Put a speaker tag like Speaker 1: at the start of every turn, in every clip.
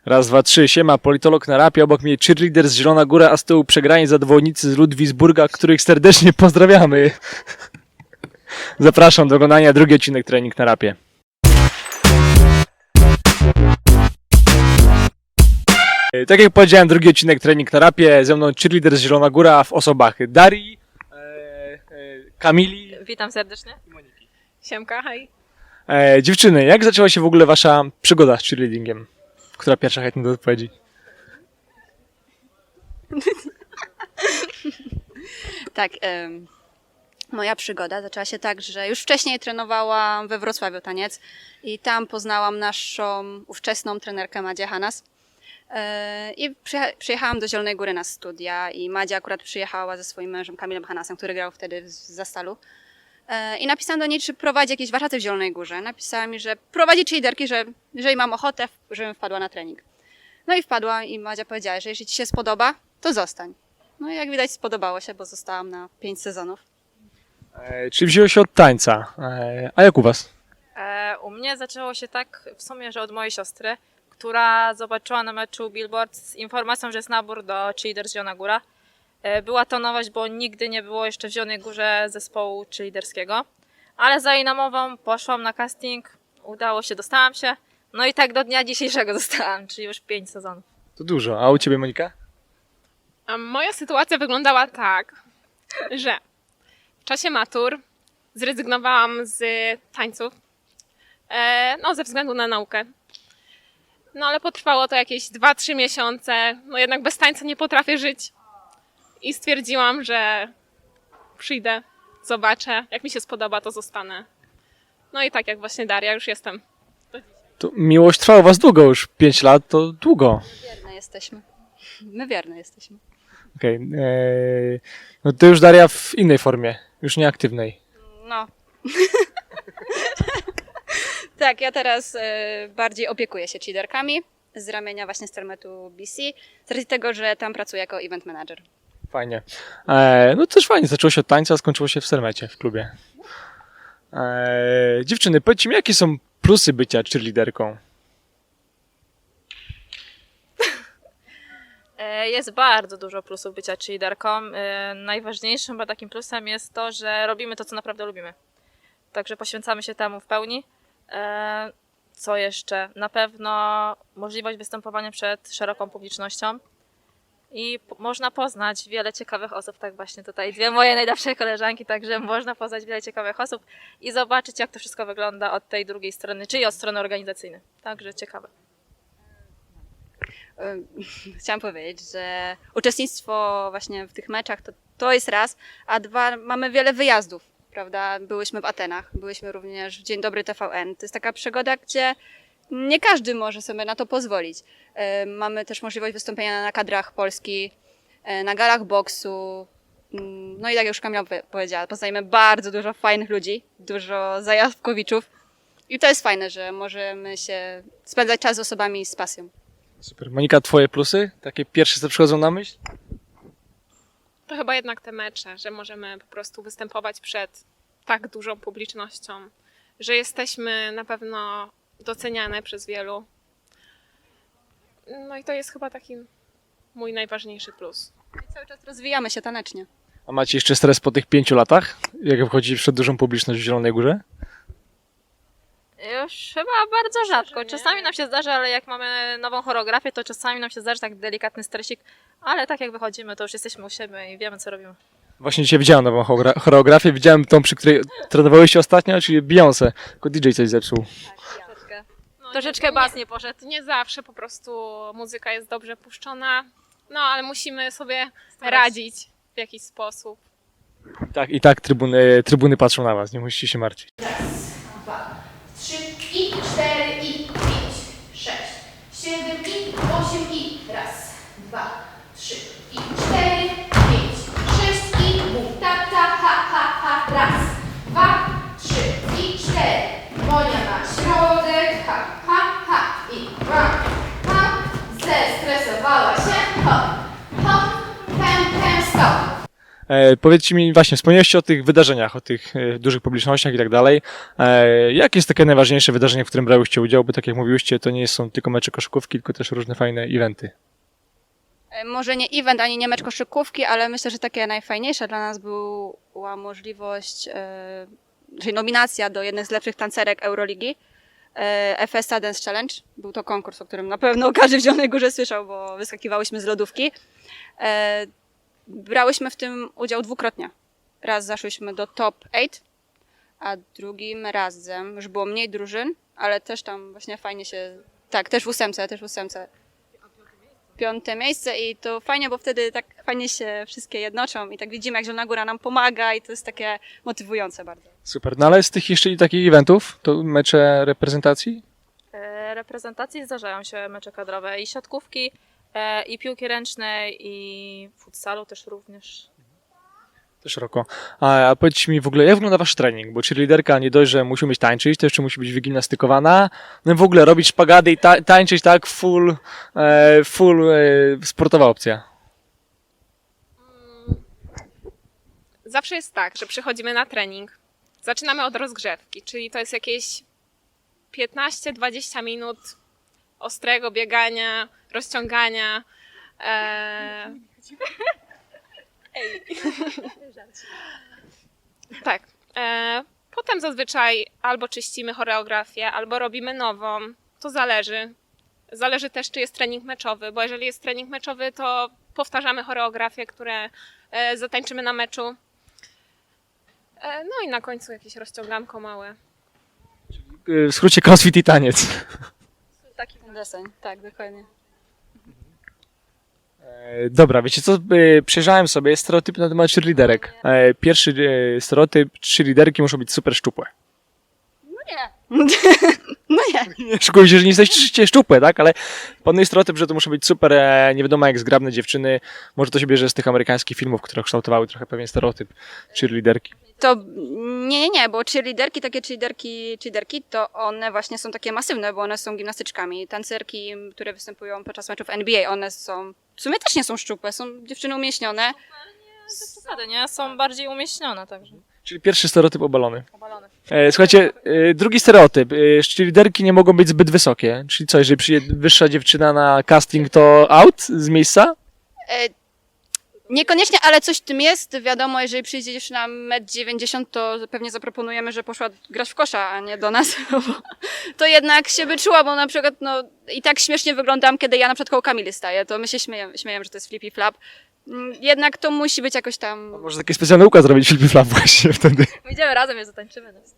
Speaker 1: Raz, dwa, trzy. Siema, politolog na rapie, obok mnie cheerleader z Zielona Góra, a z tyłu przegrani zawodnicy z Ludwigsburga, których serdecznie pozdrawiamy. Zapraszam do oglądania drugi odcinek Trening na rapie. Tak jak powiedziałem, drugi odcinek Trening na rapie, ze mną cheerleader z Zielona Góra w osobach Darii, Kamili.
Speaker 2: Witam serdecznie.
Speaker 1: I Moniki.
Speaker 2: Siemka, hej.
Speaker 1: Dziewczyny, jak zaczęła się w ogóle wasza przygoda z cheerleadingiem? Która pierwsza chętnie do odpowiedzi?
Speaker 3: Tak, moja przygoda zaczęła się tak, że już wcześniej trenowałam we Wrocławiu taniec i tam poznałam naszą ówczesną trenerkę Madzię Hanas. I przyjechałam do Zielonej Góry na studia i Madzia akurat przyjechała ze swoim mężem Kamilem Hanasem, który grał wtedy w Zastalu. I napisałam do niej, czy prowadzi jakieś warsztaty w Zielonej Górze. Napisała mi, że prowadzi cheerleaderki, że jeżeli mam ochotę, żebym wpadła na trening. No i wpadła i Madzia powiedziała, że jeśli ci się spodoba, to zostań. No i jak widać spodobało się, bo zostałam na 5 sezonów.
Speaker 1: Czyli wzięło się od tańca. A jak u was?
Speaker 2: U mnie zaczęło się tak w sumie, że od mojej siostry, która zobaczyła na meczu billboard z informacją, że jest nabór do Cheerleaders Zielona Góra. Była to nowość, bo nigdy nie było jeszcze w Zielonej Górze zespołu cheerleaderskiego. Ale za jej namową poszłam na casting, udało się, dostałam się. No i tak do dnia dzisiejszego zostałam, czyli już 5 sezonów.
Speaker 1: To dużo. A u ciebie, Monika?
Speaker 4: A moja sytuacja wyglądała tak, że w czasie matur zrezygnowałam z tańców, ze względu na naukę. No ale potrwało to jakieś 2-3 miesiące, no jednak bez tańca nie potrafię żyć. I stwierdziłam, że przyjdę, zobaczę, jak mi się spodoba, to zostanę. No i tak jak właśnie Daria, już jestem.
Speaker 1: To miłość trwała u was długo, już 5 lat to długo.
Speaker 3: Wierne jesteśmy. My wierne jesteśmy.
Speaker 1: Okej. No to już Daria w innej formie, już nieaktywnej.
Speaker 3: No. Tak, ja teraz bardziej opiekuję się cheerleaderkami z ramienia właśnie Stermetu BC, z racji tego, że tam pracuję jako event manager.
Speaker 1: Fajnie. No też fajnie, zaczęło się od tańca, a skończyło się w Sermecie, w klubie. Dziewczyny, powiedzcie mi, jakie są plusy bycia cheerleaderką?
Speaker 2: Jest bardzo dużo plusów bycia cheerleaderką. Najważniejszym chyba takim plusem jest to, że robimy to, co naprawdę lubimy. Także poświęcamy się temu w pełni. Co jeszcze? Na pewno możliwość występowania przed szeroką publicznością i można poznać wiele ciekawych osób, tak właśnie tutaj dwie moje najlepsze koleżanki, także można poznać wiele ciekawych osób i zobaczyć, jak to wszystko wygląda od tej drugiej strony, czyli od strony organizacyjnej. Także ciekawe.
Speaker 3: Chciałam powiedzieć, że uczestnictwo właśnie w tych meczach to jest raz, a dwa, mamy wiele wyjazdów, prawda? Byłyśmy w Atenach, byłyśmy również w Dzień Dobry TVN. To jest taka przygoda, gdzie nie każdy może sobie na to pozwolić. Mamy też możliwość wystąpienia na kadrach Polski, na galach boksu. No i tak jak już Kamila powiedziała, poznajemy bardzo dużo fajnych ludzi, dużo zajawkowiczów. I to jest fajne, że możemy się spędzać czas z osobami z pasją.
Speaker 1: Super. Monika, twoje plusy? Takie pierwsze, co przychodzą na myśl?
Speaker 4: To chyba jednak te mecze, że możemy po prostu występować przed tak dużą publicznością, że jesteśmy na pewno doceniane przez wielu. No i to jest chyba taki mój najważniejszy plus.
Speaker 3: I cały czas rozwijamy się tanecznie.
Speaker 1: A macie jeszcze stres po tych 5 latach? Jak wchodzi przed dużą publiczność w Zielonej Górze?
Speaker 2: Już chyba bardzo rzadko. Czasami nam się zdarza, ale jak mamy nową choreografię, to czasami nam się zdarzy tak delikatny stresik, ale tak jak wychodzimy, to już jesteśmy u siebie i wiemy, co robimy.
Speaker 1: Właśnie dzisiaj widziałem nową choreografię, widziałem tą, przy której trenowałyście ostatnio, czyli Beyoncé. Tylko DJ coś zepsuł.
Speaker 2: Troszeczkę bas nie poszedł.
Speaker 4: Nie zawsze po prostu muzyka jest dobrze puszczona, no ale musimy sobie radzić w jakiś sposób.
Speaker 1: Tak, i tak trybuny patrzą na was, nie musicie się martwić.
Speaker 5: 3 i 4 i 5, 6, 7 i 8 i raz, 2, 3 i 4, 5, 6 i mów ta ta ha ha ha raz, 2, 3 i 4. Monia na środek, ha ha ha i zestresowała się, hop, hop, stop.
Speaker 1: Powiedzcie mi właśnie, wspomnieliście o tych wydarzeniach, o tych dużych publicznościach i tak dalej. Jakie jest takie najważniejsze wydarzenie, w którym brałyście udział? Bo tak jak mówiłyście, to nie są tylko mecze koszykówki, tylko też różne fajne eventy.
Speaker 3: Może nie event, ani nie mecz koszykówki, ale myślę, że takie najfajniejsze dla nas była możliwość, czyli nominacja do jednych z lepszych tancerek Euroligi. FSA Dance Challenge. Był to konkurs, o którym na pewno każdy w Zielonej Górze słyszał, bo wyskakiwałyśmy z lodówki. Brałyśmy w tym udział dwukrotnie. Raz zaszłyśmy do top 8, a drugim razem już było mniej drużyn, ale też tam właśnie fajnie się... Tak, też w ósemce. 5. miejsce i to fajnie, bo wtedy tak fajnie się wszystkie jednoczą i tak widzimy, jak Zielona Góra nam pomaga i to jest takie motywujące bardzo.
Speaker 1: Super. No ale z tych jeszcze takich eventów, to mecze reprezentacji?
Speaker 2: Reprezentacji zdarzają się mecze kadrowe i siatkówki, i piłki ręcznej, i futsalu też również.
Speaker 1: To szeroko. A powiedzcie mi w ogóle, jak wygląda wasz trening? Bo cheerleaderka nie dość, że musi umieć tańczyć, to jeszcze musi być wygimnastykowana. No i w ogóle robić szpagaty i tańczyć tak full sportowa opcja.
Speaker 4: Zawsze jest tak, że przychodzimy na trening, zaczynamy od rozgrzewki, czyli to jest jakieś 15-20 minut ostrego biegania, rozciągania. Tak. Potem zazwyczaj albo czyścimy choreografię, albo robimy nową. To zależy. Zależy też, czy jest trening meczowy, bo jeżeli jest trening meczowy, to powtarzamy choreografię, które zatańczymy na meczu. No i na końcu jakieś rozciąganko małe.
Speaker 1: W skrócie crossfit i taniec.
Speaker 3: Taki deseń, tak, dokładnie.
Speaker 1: Dobra, wiecie co? Przejrzałem sobie stereotypy na temat cheerleaderek. Pierwszy stereotyp, cheerleaderki muszą być super szczupłe.
Speaker 3: No nie. No nie.
Speaker 1: Nie szykujcie się, że nie jesteście szczupłe, tak? Ale panuje stereotyp, że to muszą być super, nie wiadomo jak zgrabne dziewczyny. Może to się bierze z tych amerykańskich filmów, które kształtowały trochę pewien stereotyp cheerleaderki.
Speaker 3: To nie, bo cheerleaderki, takie cheerleaderki, to one właśnie są takie masywne, bo one są gimnastyczkami. Tancerki, które występują podczas meczów NBA, one są, w sumie też nie są szczupłe, są dziewczyny umieśnione.
Speaker 2: Zasady, nie? Są bardziej umieśnione także.
Speaker 1: Czyli pierwszy stereotyp obalony.
Speaker 2: Obalone.
Speaker 1: Słuchajcie, drugi stereotyp. Cheerleaderki nie mogą być zbyt wysokie. Czyli co, jeżeli przyjdzie wyższa dziewczyna na casting, to out z miejsca?
Speaker 3: Niekoniecznie, ale coś w tym jest. Wiadomo, jeżeli przyjdzie dziewczyna 1,90 m, to pewnie zaproponujemy, że poszła grać w kosza, a nie do nas. To jednak się by czuła, bo na przykład no, i tak śmiesznie wyglądam, kiedy ja na przykład koło Kamily staję, to my się śmiejemy, że to jest flippy flap. Jednak to musi być jakoś tam...
Speaker 1: Może taki specjalny układ zrobić Flippy Flap właśnie wtedy.
Speaker 2: Idziemy razem, je zatańczymy. No.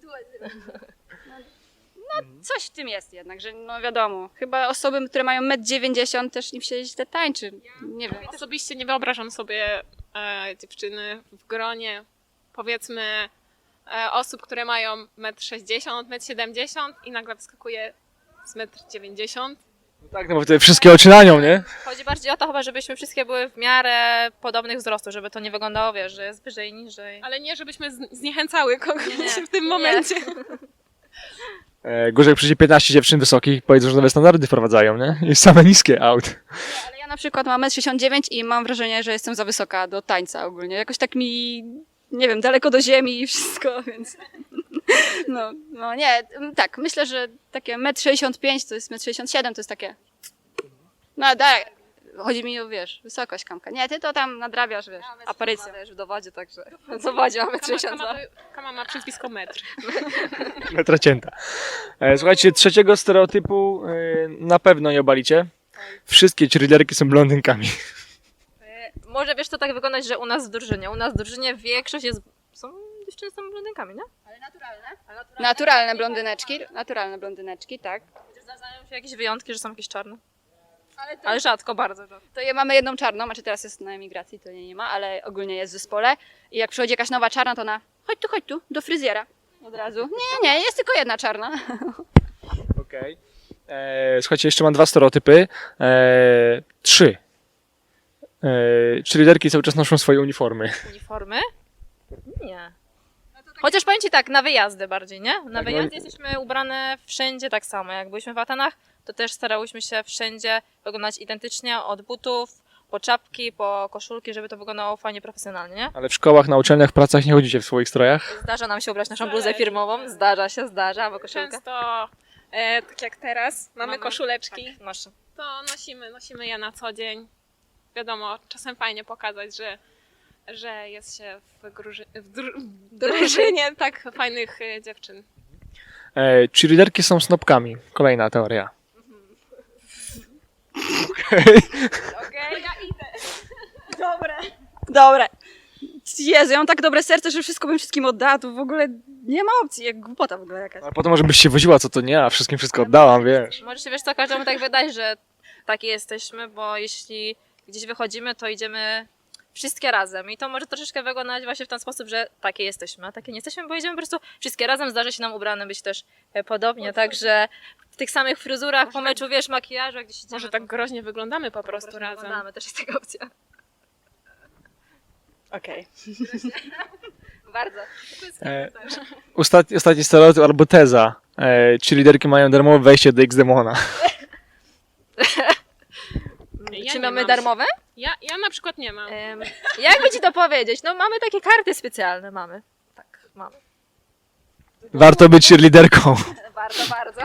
Speaker 3: Coś w tym jest jednak, że no wiadomo, chyba osoby, które mają 1,90 m też im się źle tańczy. Nie wiem.
Speaker 4: Osobiście nie wyobrażam sobie dziewczyny w gronie, powiedzmy, osób, które mają 1,60 m, 1,70 m i nagle wyskakuje z 1,90 m.
Speaker 1: Tak, no bo te wszystkie oczy na nią, nie?
Speaker 2: Chodzi bardziej o to chyba, żebyśmy wszystkie były w miarę podobnych wzrostu, żeby to nie wyglądało, wiesz, że jest wyżej, niżej.
Speaker 4: Ale nie, żebyśmy zniechęcały kogoś
Speaker 2: Nie.
Speaker 4: w tym momencie.
Speaker 1: Gorzej jak przyjdzie 15 dziewczyn wysokich, powiedzą, że nowe standardy wprowadzają, nie? I same niskie out.
Speaker 3: Ale ja na przykład mam 1,69 m i mam wrażenie, że jestem za wysoka do tańca ogólnie. Jakoś tak mi, nie wiem, daleko do ziemi i wszystko, więc... No nie, tak, myślę, że takie 1,65 m to jest 1,67 m, to jest takie... No tak, chodzi mi o, wiesz, wysokość Kamka. Nie, ty to tam nadrabiasz, wiesz, aparycją.
Speaker 2: Wiesz, w dowodzie także. W dowodzie mamy 62.
Speaker 4: Kama ma przyzwisko metr.
Speaker 1: Metra cięta. Słuchajcie, trzeciego stereotypu na pewno nie obalicie. Wszystkie cheerleaderki są blondynkami.
Speaker 2: Może wiesz, to tak wyglądać, że u nas w drużynie. U nas w drużynie większość jest... Dziewczyny są blondynkami, nie?
Speaker 3: Naturalne blondyneczki, tak.
Speaker 2: Zdarzają się jakieś wyjątki, że są jakieś czarne. Ale rzadko, bardzo rzadko.
Speaker 3: To mamy jedną czarną, znaczy teraz jest na emigracji, to nie ma, ale ogólnie jest w zespole. I jak przychodzi jakaś nowa czarna, to ona chodź tu, do fryzjera. Od razu. Nie, jest tylko jedna czarna.
Speaker 1: Okej. Słuchajcie, jeszcze mam 2 stereotypy. 3. Cheerleaderki cały czas noszą swoje uniformy.
Speaker 2: Uniformy? Nie. Chociaż powiem Ci tak, na wyjazdy bardziej, nie? Na
Speaker 1: Tak,
Speaker 2: wyjazdy jesteśmy ubrane wszędzie tak samo. Jak byliśmy w Atenach, to też starałyśmy się wszędzie wyglądać identycznie, od butów, po czapki, po koszulki, żeby to wyglądało fajnie, profesjonalnie, nie?
Speaker 1: Ale w szkołach, na uczelniach, w pracach nie chodzicie w swoich strojach?
Speaker 2: Zdarza nam się ubrać naszą bluzę firmową, zdarza, albo koszulkę.
Speaker 4: Często, tak jak teraz, mamy koszuleczki,
Speaker 2: Tak, nasze.
Speaker 4: to nosimy je na co dzień. Wiadomo, czasem fajnie pokazać, że jest się w drużynie tak fajnych dziewczyn.
Speaker 1: Cheerleaderki są snopkami. Kolejna teoria.
Speaker 4: Okej, ja idę.
Speaker 3: Dobre. Jezu, ja mam tak dobre serce, że wszystko bym wszystkim oddała, to w ogóle nie ma opcji, jak głupota w ogóle jakaś.
Speaker 1: A potem może byś się woziła, co to nie, a wszystkim wszystko oddałam, wiesz.
Speaker 2: Może się, wiesz co, każdemu tak wydaje, że takie jesteśmy, bo jeśli gdzieś wychodzimy, to idziemy wszystkie razem i to może troszeczkę wyglądać właśnie w ten sposób, że takie jesteśmy, a takie nie jesteśmy, bo idziemy po prostu wszystkie razem, zdarzy się nam ubrane być też podobnie, także w tych samych fryzurach, po meczu, wiesz, makijażu, jak gdzieś idziemy,
Speaker 4: Może tak groźnie wyglądamy po prostu
Speaker 2: to
Speaker 4: razem.
Speaker 2: wyglądamy, też jest taka opcja.
Speaker 3: Okej.
Speaker 2: Bardzo.
Speaker 1: Ostatni stereotyp albo teza. Cheerleaderki mają darmowe wejście do X-Demona.
Speaker 4: Ja
Speaker 2: Czy
Speaker 4: nie
Speaker 2: mamy
Speaker 4: mam.
Speaker 2: darmowe?
Speaker 4: Ja na przykład nie mam.
Speaker 2: Jakby ci to powiedzieć? No mamy takie karty specjalne, mamy. Tak, mamy.
Speaker 1: Warto być cheerleaderką.
Speaker 2: Bardzo.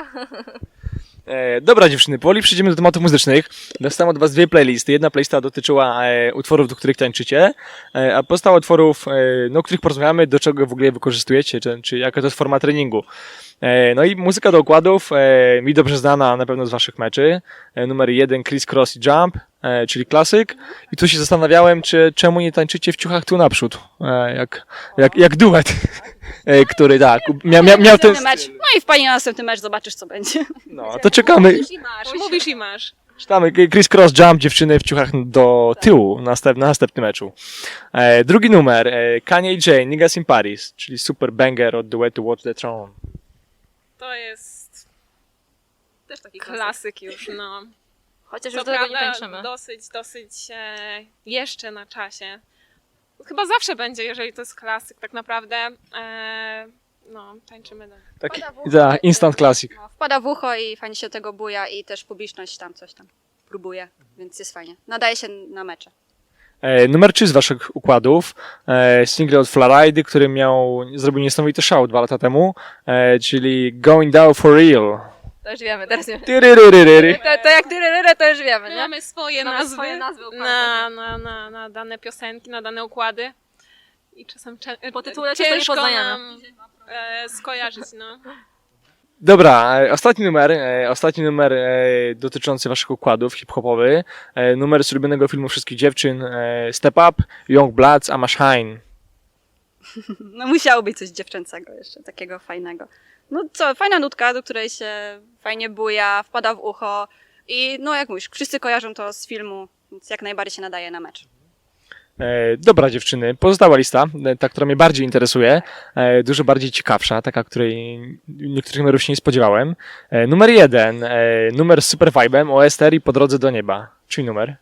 Speaker 1: Dobra dziewczyny, powoli przejdziemy do tematów muzycznych. Dostałem od was dwie playlisty. Jedna playlista dotyczyła utworów, do których tańczycie, a pozostała utworów, no, o których porozmawiamy, do czego w ogóle je wykorzystujecie, czy jaka to jest forma treningu. No i muzyka do układów, mi dobrze znana na pewno z waszych meczy. Numer 1 Criss Cross i Jump, czyli klasyk. I tu się zastanawiałem, czemu nie tańczycie w ciuchach tu naprzód, jak duet, który tak, miał ten
Speaker 3: Następny mecz.
Speaker 1: styl.
Speaker 3: No i wpadnij na następny mecz, zobaczysz co będzie.
Speaker 1: No, to czekamy.
Speaker 4: Mówisz i masz.
Speaker 1: Czytamy Criss Cross Jump, dziewczyny w ciuchach do tyłu na następnym meczu. Drugi numer, Kanye i Jay, Niggas in Paris, czyli super banger od duetu Watch the Throne.
Speaker 4: To jest
Speaker 2: Też taki
Speaker 4: klasyk już, no.
Speaker 2: Chociaż
Speaker 4: Co
Speaker 2: już do tego nie
Speaker 4: prawda
Speaker 2: tańczymy.
Speaker 4: dosyć jeszcze na czasie. Chyba zawsze będzie, jeżeli to jest klasyk tak naprawdę. No, tańczymy dalej.
Speaker 1: Taki
Speaker 3: Wpada w ucho.
Speaker 1: instant classic.
Speaker 3: No, wpada w ucho i fajnie się tego buja i też publiczność tam coś tam próbuje, więc jest fajnie. Nadaje się na mecze.
Speaker 1: Numer 3 z waszych układów, single od Florida, który zrobił niesamowity szał 2 lata temu, czyli Going Down for Real.
Speaker 2: To już wiemy, teraz wiemy.
Speaker 1: Tyryryryryry.
Speaker 2: To jak tyryryrę, to już wiemy,
Speaker 4: My
Speaker 2: nie?
Speaker 4: mamy swoje
Speaker 2: Mamy
Speaker 4: nazwy,
Speaker 2: swoje nazwy układów.
Speaker 4: na dane piosenki, na dane układy. I czasem
Speaker 2: Po tytule często nie
Speaker 4: ciężko
Speaker 2: poznajemy.
Speaker 4: nam skojarzyć, no.
Speaker 1: Dobra, ostatni numer dotyczący waszych układów, hip-hopowy. Numer z ulubionego filmu wszystkich dziewczyn, Step Up, Young Bloods, Ama Shine.
Speaker 3: No musiało być coś dziewczęcego jeszcze, takiego fajnego. No co, fajna nutka, do której się fajnie buja, wpada w ucho i no jak mówisz, wszyscy kojarzą to z filmu, więc jak najbardziej się nadaje na mecz.
Speaker 1: Dobra dziewczyny, pozostała lista, ta, która mnie bardziej interesuje, dużo bardziej ciekawsza, taka, której niektórych numerów się nie spodziewałem. Numer 1, numer z super vibem, OSTR i Po drodze do nieba. Czyj numer?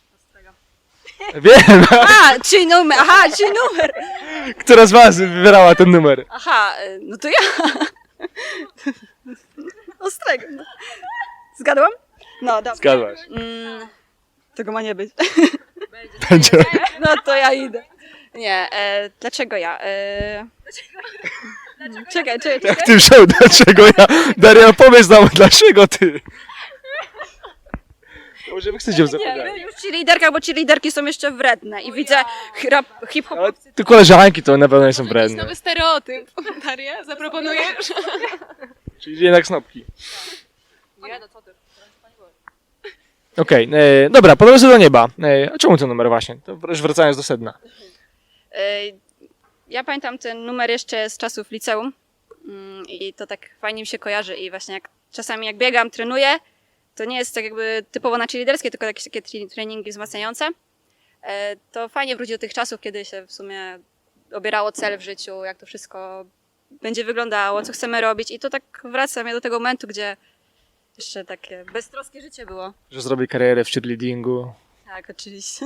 Speaker 1: Wiem,
Speaker 3: Czyli numer, czyli numer!
Speaker 1: która z was wybierała ten numer?
Speaker 3: No to ja! Ostrego. No. Zgadłam? No dobra.
Speaker 1: Zgadłaś.
Speaker 3: Tego ma nie być.
Speaker 1: Będzie.
Speaker 3: No to ja idę. Nie, dlaczego ja? Czekaj.
Speaker 1: Jak ty wziął, dlaczego ja? Daria, powiedz nam, dlaczego ty? Może wy chcecie ją zapytać.
Speaker 3: Już ci liderka, bo ci liderki są jeszcze wredne i widzę hip-hop.
Speaker 1: Ale ty koleżanki to na pewno nie są
Speaker 4: Jakiś
Speaker 1: wredne.
Speaker 4: nowy stereotyp. Daria, zaproponujesz?
Speaker 1: Czyli jednak snopki.
Speaker 2: Nie, no co ty?
Speaker 1: Okej, dobra, Po drodze do nieba. A czemu ten numer właśnie? To już wracając do sedna.
Speaker 3: Ja pamiętam ten numer jeszcze z czasów liceum i to tak fajnie mi się kojarzy i właśnie czasami jak biegam, trenuję, to nie jest tak jakby typowo na cheerleaderskie, tylko jakieś takie treningi wzmacniające. To fajnie wróci do tych czasów, kiedy się w sumie obierało cel w życiu, jak to wszystko będzie wyglądało, co chcemy robić i to tak wraca mnie do tego momentu, gdzie jeszcze takie beztroskie życie było.
Speaker 1: Że zrobię karierę w cheerleadingu.
Speaker 3: Tak, oczywiście.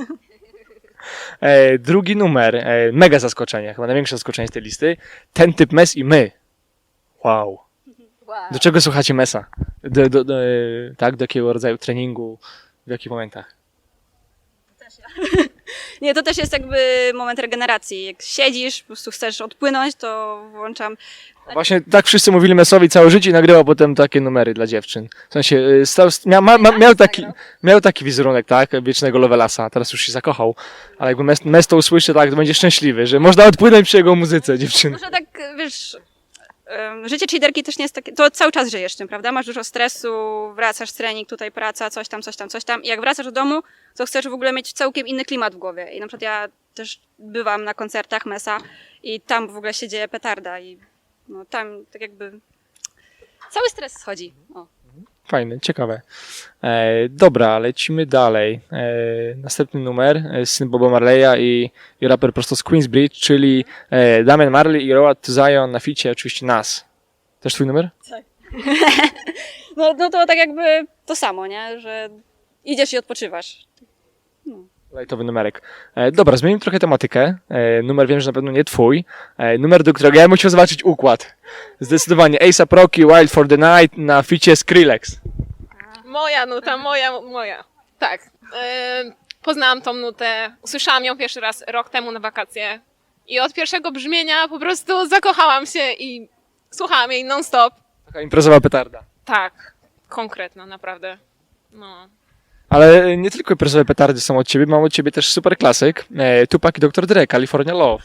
Speaker 1: Drugi numer, mega zaskoczenie, chyba największe zaskoczenie z tej listy. Ten typ Mes i my. Wow. Do czego słuchacie Mesa? Tak, do jakiego rodzaju treningu, w jakich momentach?
Speaker 3: Nie, to też jest jakby moment regeneracji. Jak siedzisz, po prostu chcesz odpłynąć, to włączam.
Speaker 1: Właśnie tak wszyscy mówili Mesowi całe życie i nagrywał potem takie numery dla dziewczyn. W sensie miał taki wizerunek, tak? Wiecznego Lovelasa. Teraz już się zakochał. Ale jakby Mes to usłyszy, tak, to będzie szczęśliwy, że można odpłynąć przy jego muzyce, dziewczyny.
Speaker 3: Może tak, wiesz, życie cheaterki też nie jest takie, to cały czas żyjesz tym, prawda? Masz dużo stresu, wracasz z trening, tutaj praca, coś tam. I jak wracasz do domu, to chcesz w ogóle mieć całkiem inny klimat w głowie. I na przykład ja też bywam na koncertach Mesa i tam w ogóle się dzieje petarda i no tam tak jakby cały stres schodzi. O.
Speaker 1: Fajne, ciekawe. Dobra, lecimy dalej. Następny numer, syn Boba Marleya i raper prosto z Queensbridge, czyli Damian Marley i Road to Zion na ficie oczywiście Nas. Też twój numer?
Speaker 3: No to tak jakby to samo, nie? Że idziesz i odpoczywasz.
Speaker 1: Lajtowy numerek. Dobra, zmienimy trochę tematykę. Numer wiem, że na pewno nie twój. Numer, do którego ja bym chciał zobaczyć układ. Zdecydowanie A$AP Rocky, Wild for the Night na ficie Skrillex.
Speaker 4: Moja nuta, moja. Tak. Poznałam tą nutę, usłyszałam ją pierwszy raz rok temu na wakacje i od pierwszego brzmienia po prostu zakochałam się i słuchałam jej non-stop.
Speaker 1: Taka imprezowa petarda.
Speaker 4: Tak, konkretna, naprawdę. No.
Speaker 1: Ale nie tylko imprezowe petardy są od ciebie, mam od ciebie też super klasyk. Tupac i Dr. Dre, California Love.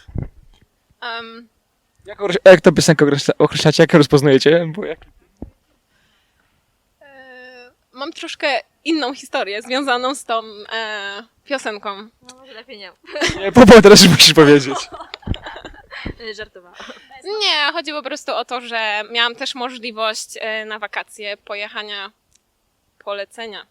Speaker 1: Jak to piosenkę określacie, jak ją rozpoznajecie? Bo jak...
Speaker 4: Mam troszkę inną historię związaną z tą piosenką.
Speaker 2: No może lepiej nie.
Speaker 1: Nie, teraz już musisz powiedzieć.
Speaker 2: Żartowałam.
Speaker 4: Nie, chodzi po prostu o to, że miałam też możliwość na wakacje pojechania, polecenia.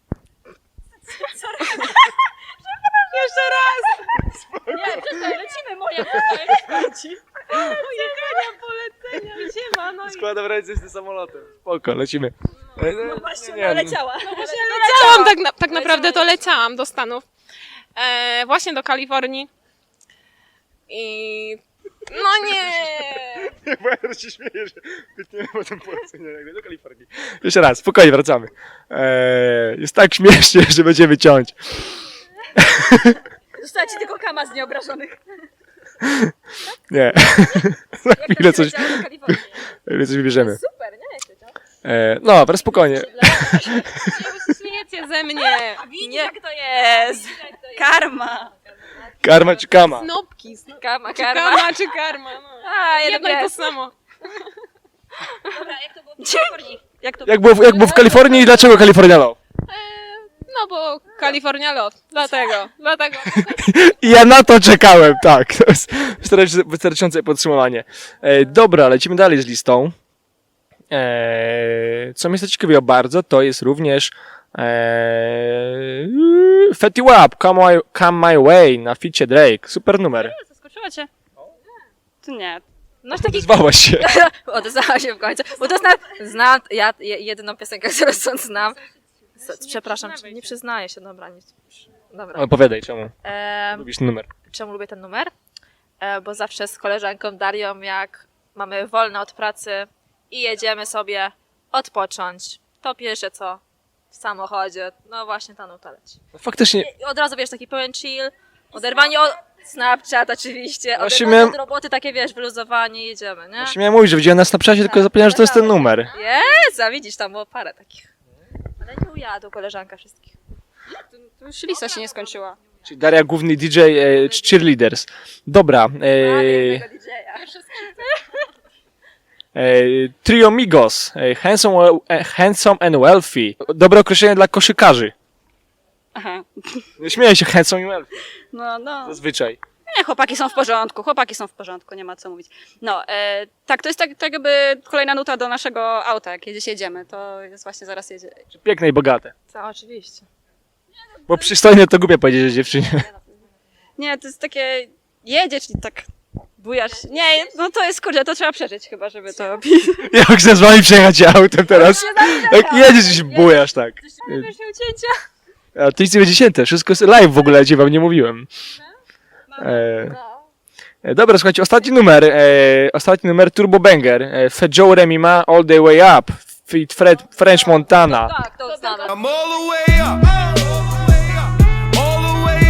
Speaker 4: Jeszcze raz!
Speaker 3: Nie, przestań, lecimy, moja
Speaker 4: Pojechania, polecenia, gdzie ma? No i
Speaker 1: Składam ręce z tym samolotem. Spoko, lecimy.
Speaker 3: No właśnie, leciała.
Speaker 4: leciałam, tak naprawdę to leciałam do Stanów. Właśnie do Kalifornii. I... No nie!
Speaker 1: Bo ja się śmieję, że wytniemy potem polecenie nagle do Kalifornii. Jeszcze raz, spokojnie, wracamy. Jest tak śmiesznie, że będziemy ciąć.
Speaker 3: Została ci tylko kama z nieobrażonych.
Speaker 1: Nie. Za chwilę coś wybierzemy.
Speaker 3: Super, nie?
Speaker 1: No, ale spokojnie.
Speaker 4: Śmiejecie ze mnie!
Speaker 3: Widzisz, jak to jest? Karma.
Speaker 1: Karma czy kama?
Speaker 4: Snopki,
Speaker 2: Karma,
Speaker 4: czy karma, czy karma. No.
Speaker 3: A,
Speaker 4: Jedno i to samo.
Speaker 3: Dobra, jak to było w Kalifornii?
Speaker 1: Jak było w Kalifornii i dlaczego California Love?
Speaker 4: No bo California Love. Dlatego.
Speaker 1: I ja na to czekałem, tak. To jest wystarczające podsumowanie. Dobra, lecimy dalej z listą. Co mnie zaciekawiło bardzo, to jest również Fetty Wap, Come My Way na ficie Drake. Super numer.
Speaker 3: Zaskoczyła cię? To nie.
Speaker 2: No taki
Speaker 1: Zwałaś się.
Speaker 2: odezwała się w końcu. Bo to znam ja jedyną piosenkę, którą stąd znam. Przepraszam, nie przyznaję się, dobra, nic. Dobra.
Speaker 1: Opowiadaj, czemu lubisz ten numer.
Speaker 2: Czemu lubię ten numer? Bo zawsze z koleżanką Darią, jak mamy wolne od pracy i jedziemy sobie odpocząć, to pierwsze co w samochodzie, no właśnie ta nuta leci.
Speaker 1: Faktycznie,
Speaker 2: I od razu wiesz, taki pełen chill, oderwanie od Snapchat oczywiście,
Speaker 1: Właśnie
Speaker 2: oderwanie
Speaker 1: miałem-
Speaker 2: od roboty, takie wiesz, wyluzowanie, jedziemy, nie?
Speaker 1: właśnie miałem mówić, że widziałem na Snapchacie, tylko zapomniałem, że to jest ten numer.
Speaker 2: Jest, a widzisz, tam było parę takich. Ale nie ujadł koleżanka wszystkich.
Speaker 3: To już lista się nie skończyła.
Speaker 1: Czyli Daria, główny DJ Cheerleaders. Dobra. Trio Migos. Handsome and Wealthy. Dobre określenie dla koszykarzy.
Speaker 3: Aha.
Speaker 1: Nie śmieję się, handsome and wealthy.
Speaker 3: No.
Speaker 1: Zazwyczaj.
Speaker 3: Nie, chłopaki są w porządku, nie ma co mówić. No, tak, to jest tak jakby kolejna nuta do naszego auta, jak gdzieś jedziemy, to jest właśnie zaraz jedzie.
Speaker 1: Piękne i bogate.
Speaker 2: Co, oczywiście.
Speaker 1: Bo przystojne to głupie powiedzieć, że dziewczynie.
Speaker 3: Nie, to jest takie, jedziesz i tak bujasz. Nie, no to jest, kurde, to trzeba przeżyć chyba, żeby to...
Speaker 1: Jak chcę z wami przejechać autem teraz? Jak jedziesz i się bujasz, tak.
Speaker 3: ucięcia.
Speaker 1: A to nic nie będzie cięte, wszystko jest live w ogóle, wam nie mówiłem. Dobra, słuchajcie, ostatni numer Turbo Banger. Fat Joe Remy ma All the Way Up. Feat French Montana.
Speaker 2: Tak, to znamy.
Speaker 6: I'm all the way up, all the way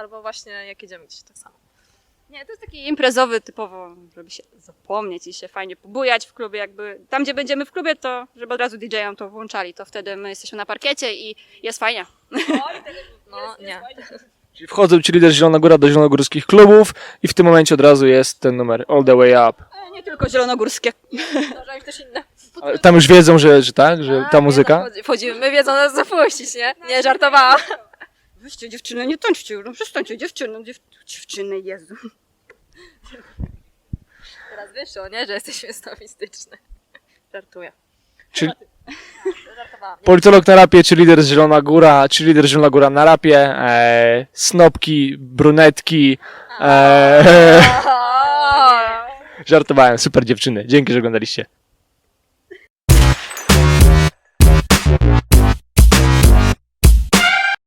Speaker 2: bo właśnie jak jedziemy gdzieś tak samo.
Speaker 3: Nie, to jest taki imprezowy typowo, żeby się zapomnieć i się fajnie pobujać w klubie, jakby tam gdzie będziemy w klubie, to żeby od razu DJ-om to włączali, to wtedy my jesteśmy na parkiecie i jest fajnie.
Speaker 2: No, nie.
Speaker 1: Czyli wchodzą ci lider Zielona Góra do zielonogórskich klubów i w tym momencie od razu jest ten numer All the Way Up.
Speaker 3: Nie tylko zielonogórskie.
Speaker 2: Zdarzają też inne.
Speaker 1: Ale tam już wiedzą, że tak, że ta muzyka?
Speaker 2: Wchodzimy, my wiedzą nas zapuścić, nie? Nie, żartowałam.
Speaker 3: Wyście dziewczyny, nie tańczcie, no przestańcie, dziewczyny, Jezu.
Speaker 2: Teraz wyszło, nie? Że jesteśmy sofistyczne. Żartuję.
Speaker 1: Czyli
Speaker 2: Żartowałam.
Speaker 1: politolog na rapie, czy lider z Zielona Góra, czy lider Zielona Góra na rapie, snopki, brunetki. Żartowałem, super dziewczyny. Dzięki, że oglądaliście.